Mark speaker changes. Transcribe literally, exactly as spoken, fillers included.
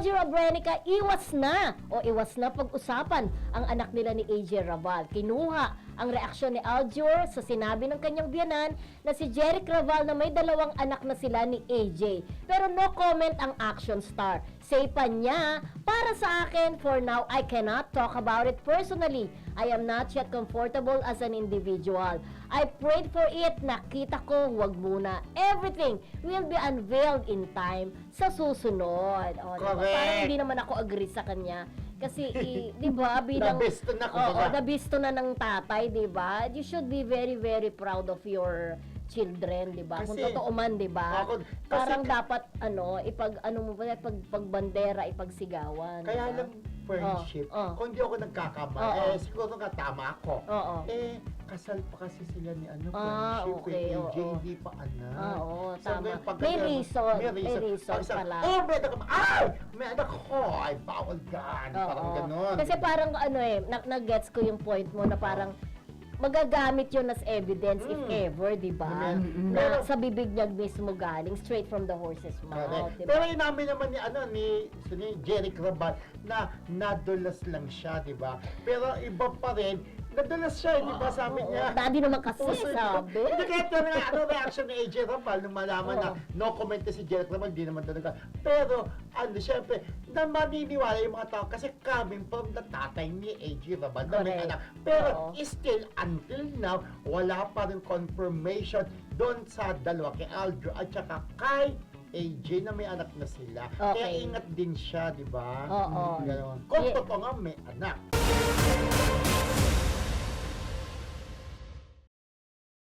Speaker 1: Aljo Abrenica, iwas na o iwas na pag-usapan ang anak nila ni A J Rabal. Kinuha ang reaksyon ni Aljur sa sinabi ng kanyang biyanan na si Jeric Raval na may dalawang anak na sila ni A J. Pero no comment ang action star. Say pa niya, para sa akin, for now, I cannot talk about it personally. I am not yet comfortable as an individual. I prayed for it, nakita ko, wag muna. Everything will be unveiled in time sa susunod. O, diba?
Speaker 2: Correct.
Speaker 1: Parang hindi naman ako agree sa kanya. Kasi, i- di ba, bilang...
Speaker 2: Nabisto na,
Speaker 1: Oo,
Speaker 2: kumbaga.
Speaker 1: nabisto na ng tatay, di ba? You should be very, very proud of your children, di ba? Kung
Speaker 2: Kasi-
Speaker 1: totoo man, di ba?
Speaker 2: Ako- kasi-
Speaker 1: Parang dapat, ano, ipag, ano mo ba, pag, pagbandera, ipagsigawan. di
Speaker 2: Kaya
Speaker 1: ba?
Speaker 2: lang friendship,
Speaker 1: Oh, oh.
Speaker 2: kung di ako nagkakamali,
Speaker 1: Oh, oh.
Speaker 2: eh, siguro nga tama ako.
Speaker 1: Oo.
Speaker 2: Eh, kasal pa kasi sila ni ano,
Speaker 1: Ah,
Speaker 2: friendship,
Speaker 1: okay,
Speaker 2: eh,
Speaker 1: oo,
Speaker 2: A J,
Speaker 1: oo.
Speaker 2: hindi pa anak.
Speaker 1: Ah, oo,
Speaker 2: So,
Speaker 1: tama.
Speaker 2: ngayon, pag
Speaker 1: May
Speaker 2: ganyan,
Speaker 1: reason, may
Speaker 2: may
Speaker 1: reason
Speaker 2: Pag isa,
Speaker 1: pala.
Speaker 2: Oh, may anak ka, ay! May anak ko, ay, bawal yan.
Speaker 1: Oo.
Speaker 2: Parang ganon.
Speaker 1: Kasi parang, ano eh, na- nag-gets ko yung point mo na parang, magagamit yun as evidence if
Speaker 2: Mm.
Speaker 1: ever, di ba?
Speaker 2: Mm.
Speaker 1: Na
Speaker 2: Pero-
Speaker 1: sa bibig niya mismo galing, straight from the horse's mouth,
Speaker 2: Correct.
Speaker 1: di
Speaker 2: Pero
Speaker 1: ba?
Speaker 2: inamin naman ni ano ni ni Jeric Raval na nadulas lang siya, 'di ba? Pero iba pa rin, nadulas siya, 'di ba? Sabi
Speaker 1: Oo,
Speaker 2: niya.
Speaker 1: daddy naman kasi,
Speaker 2: Puso-
Speaker 1: sabi.
Speaker 2: Hindi kaya ito nga, ano reaction ni A J Raval nung malaman
Speaker 1: Oo.
Speaker 2: na no comment na si Jeric Raval, di naman talaga. Pero, ano, syempre, na maniniwala yung mga tao kasi coming from the tatay ni A J Raval na may
Speaker 1: Correct.
Speaker 2: anak. Pero,
Speaker 1: Oo.
Speaker 2: still, until now, wala pa rin confirmation doon sa dalawa, kay Aljo at saka kay A J na may anak na sila. Kaya
Speaker 1: Okay.
Speaker 2: ingat din siya, di ba?
Speaker 1: Oo.
Speaker 2: Ganon. Kung
Speaker 1: Ye-
Speaker 2: totoo nga may anak.